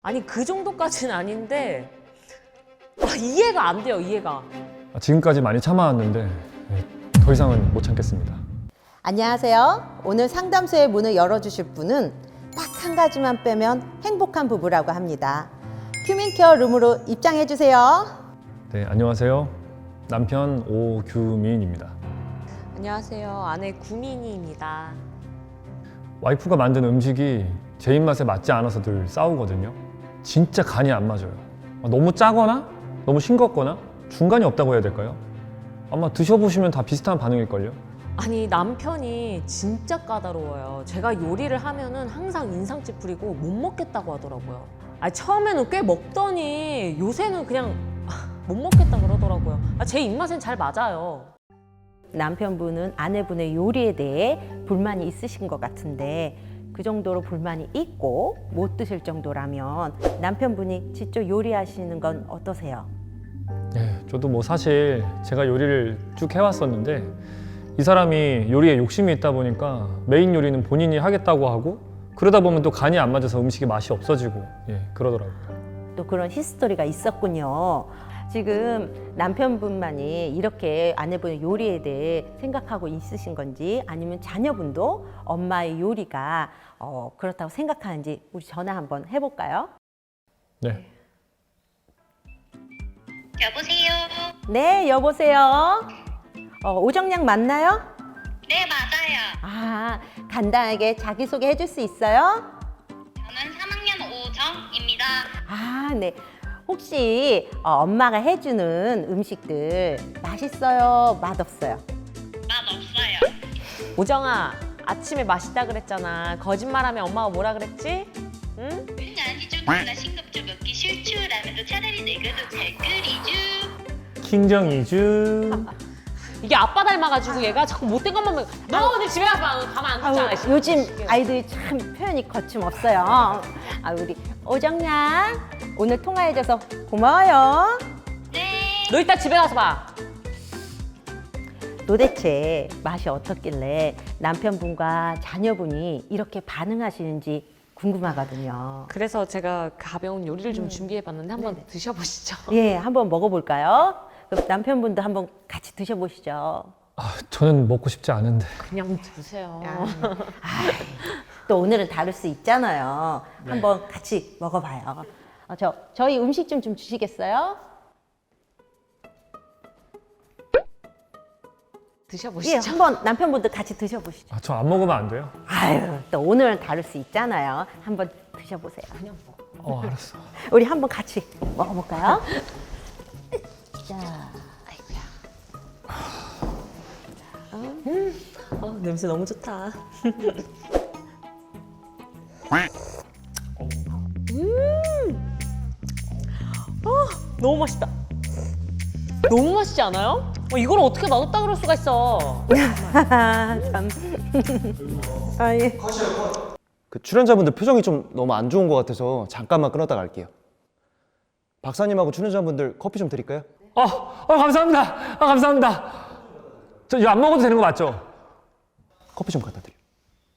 아니 그 정도까지는 아닌데 이해가 안 돼요. 이해가. 지금까지 많이 참아왔는데 더 이상은 못 참겠습니다. 안녕하세요. 오늘 상담소의 문을 열어주실 분은 딱 한 가지만 빼면 행복한 부부라고 합니다. 큐민케어 룸으로 입장해주세요. 네, 안녕하세요. 남편 오규민입니다. 안녕하세요. 아내 구민이입니다. 와이프가 만든 음식이 제 입맛에 맞지 않아서 늘 싸우거든요. 진짜 간이 안 맞아요. 너무 짜거나 너무 싱겁거나 중간이 없다고 해야 될까요? 아마 드셔보시면 다 비슷한 반응일걸요. 아니 남편이 진짜 까다로워요. 제가 요리를 하면은 항상 인상 찌푸리고 못 먹겠다고 하더라고요. 아니 처음에는 꽤 먹더니 요새는 그냥 못 먹겠다 그러더라고요. 제 입맛엔 잘 맞아요. 남편분은 아내분의 요리에 대해 불만이 있으신 것 같은데 그 정도로 불만이 있고 못 드실 정도라면 남편분이 직접 요리하시는 건 어떠세요? 네, 저도 뭐 사실 제가 요리를 쭉 해왔었는데 이 사람이 요리에 욕심이 있다 보니까 메인 요리는 본인이 하겠다고 하고 그러다 보면 또 간이 안 맞아서 음식이 맛이 없어지고 그러더라고요. 또 그런 히스토리가 있었군요. 지금 남편분만이 이렇게 아내분의 요리에 대해 생각하고 있으신 건지 아니면 자녀분도 엄마의 요리가 그렇다고 생각하는지 우리 전화 한번 해볼까요? 네. 여보세요? 네, 여보세요. 오정양 맞나요? 네, 맞아요. 아, 간단하게 자기소개 해줄 수 있어요? 저는 3학년 오정입니다. 아, 네. 혹시 엄마가 해주는 음식들 맛있어요? 맛없어요? 맛없어요. 오정아, 아침에 맛있다 그랬잖아. 거짓말하면 엄마가 뭐라 그랬지? 응? 아니죠. 누나 싱겁죠. 먹기 싫죠. 라면도 차라리 내가 더 잘 끓이죠. 킹정이주. 이게 아빠 닮아가지고 얘가 자꾸 못된 것만 먹. 너 오늘 집에 가면 가만 안 아유, 두잖아. 요즘 아이들이 참 표현이 거침없어요. 아, 우리 오정양 오늘 통화해줘서 고마워요. 네. 너 이따 집에 가서 봐. 도대체 맛이 어떻길래 남편분과 자녀분이 이렇게 반응하시는지 궁금하거든요. 그래서 제가 가벼운 요리를 좀 준비해봤는데 한번 드셔보시죠. 예, 한번 먹어볼까요? 그럼 남편분도 한번 같이 드셔보시죠. 저는 먹고 싶지 않은데. 그냥 드세요. 또 오늘은 다를 수 있잖아요. 한번 같이 먹어봐요. 저희 음식 좀 주시겠어요? 드셔보시죠. 예, 한번 남편분도 같이 드셔보시죠. 저 안 먹으면 안 돼요? 아유, 또 오늘은 다를 수 있잖아요. 한번 드셔보세요. 그냥 먹어. 알았어. 우리 한번 같이 먹어볼까요? 자, 아이고야. 냄새 너무 좋다. 너무 맛있다. 너무 맛있지 않아요? 이걸 어떻게 놔뒀다 그럴 수가 있어. 참. 아, 예. 그 출연자분들 표정이 좀 너무 안 좋은 것 같아서 잠깐만 끊었다 갈게요. 박사님하고 출연자분들 커피 좀 드릴까요? 감사합니다. 감사합니다. 저 이거 안 먹어도 되는 거 맞죠? 커피 좀 갖다 드려요.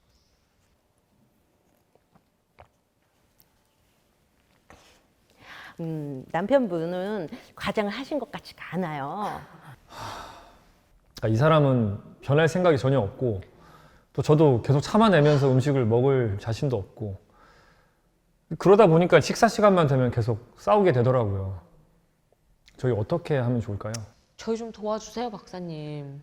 남편분은 과장을 하신 것 같지가 않아요. 이 사람은 변할 생각이 전혀 없고 또 저도 계속 참아내면서 음식을 먹을 자신도 없고 그러다 보니까 식사 시간만 되면 계속 싸우게 되더라고요. 저희 어떻게 하면 좋을까요? 저희 좀 도와주세요, 박사님.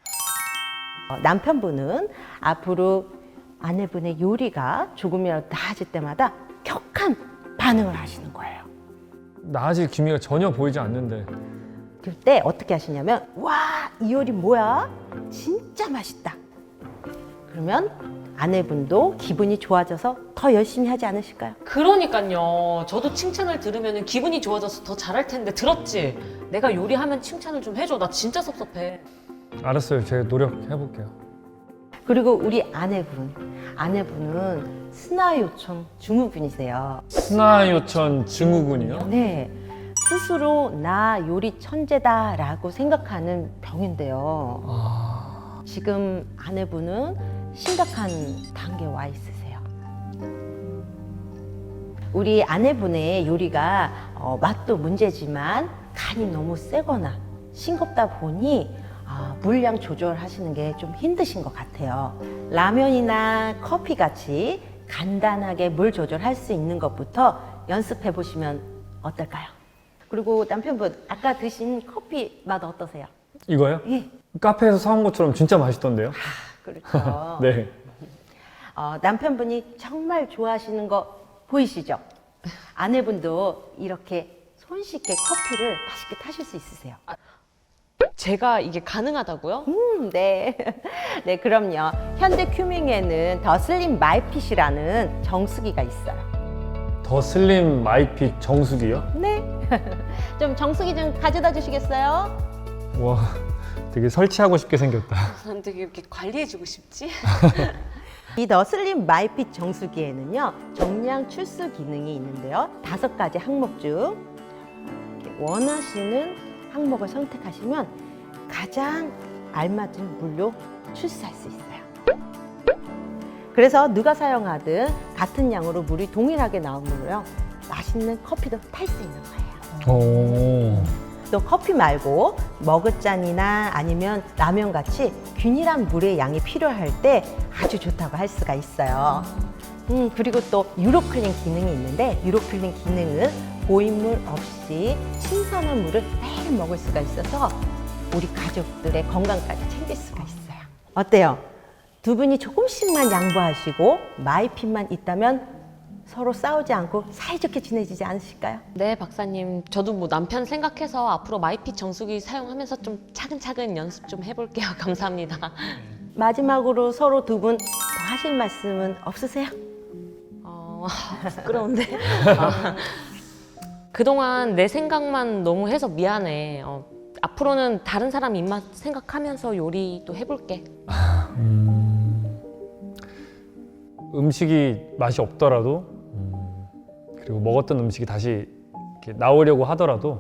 남편분은 앞으로 아내분의 요리가 조금이라도 나아질 때마다 격한 반응을 하시는 거예요. 나아질 기미가 전혀 보이지 않는데 그때 어떻게 하시냐면 와, 이 요리 뭐야? 진짜 맛있다. 그러면 아내분도 기분이 좋아져서 더 열심히 하지 않으실까요? 그러니까요. 저도 칭찬을 들으면 기분이 좋아져서 더 잘할 텐데 들었지? 내가 요리하면 칭찬을 좀 해줘. 나 진짜 섭섭해. 알았어요. 제가 노력해볼게요. 그리고 우리 아내분은 스나요청 증후군이세요. 스나요천 증후군이요? 네, 스스로 나 요리 천재다라고 생각하는 병인데요. 지금 아내분은 심각한 단계에 와 있으세요. 우리 아내분의 요리가 맛도 문제지만 간이 너무 세거나 싱겁다 보니 물량 조절하시는 게 좀 힘드신 것 같아요. 라면이나 커피 같이 간단하게 물 조절할 수 있는 것부터 연습해 보시면 어떨까요? 그리고 남편분 아까 드신 커피 맛 어떠세요? 이거요? 예. 카페에서 사온 것처럼 진짜 맛있던데요? 그렇죠. 네. 남편분이 정말 좋아하시는 거 보이시죠? 아내분도 이렇게 손쉽게 커피를 맛있게 타실 수 있으세요. 제가 이게 가능하다고요? 네. 네, 그럼요. 현대 큐밍에는 더 슬림 마이핏이라는 정수기가 있어요. 더 슬림 마이핏 정수기요? 네. 좀 정수기 좀 가져다 주시겠어요? 와, 되게 설치하고 싶게 생겼다. 난 되게 이렇게 관리해주고 싶지? 이 더 슬림 마이핏 정수기에는요, 정량 출수 기능이 있는데요. 5가지 항목 중 이렇게 원하시는 항목을 선택하시면 가장 알맞은 물로 출수할 수 있어요. 그래서 누가 사용하든 같은 양으로 물이 동일하게 나오므로요, 맛있는 커피도 탈 수 있는 거예요. 오. 또 커피 말고 머그잔이나 아니면 라면 같이 균일한 물의 양이 필요할 때 아주 좋다고 할 수가 있어요. 그리고 또 유로클린 기능이 있는데, 유로클린 기능은 고인물 없이 신선한 물을 매일 먹을 수가 있어서 우리 가족들의 건강까지 챙길 수가 있어요. 어때요? 두 분이 조금씩만 양보하시고 마이핏만 있다면 서로 싸우지 않고 사이좋게 지내지지 않으실까요? 네, 박사님. 저도 뭐 남편 생각해서 앞으로 마이핏 정수기 사용하면서 좀 차근차근 연습 좀 해볼게요. 감사합니다. 마지막으로 서로 두 분 더 하실 말씀은 없으세요? 부끄러운데. 그동안 내 생각만 너무 해서 미안해. 앞으로는 다른 사람 입맛 생각하면서 요리도 해볼게. 음식이 맛이 없더라도 그리고 먹었던 음식이 다시 이렇게 나오려고 하더라도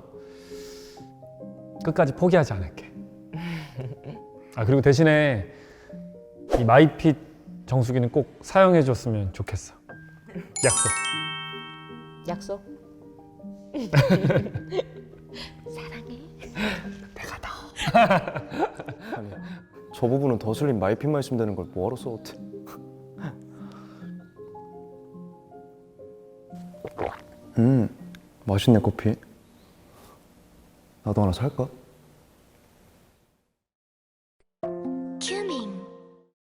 끝까지 포기하지 않을게. 그리고 대신에 이 마이핏 정수기는 꼭 사용해 줬으면 좋겠어. 약속. 약속? 아니, 저 부분은 더 슬림 마이핏만 있으면 되는 걸 뭐하러 써왔대. 맛있네 커피. 나도 하나 살까?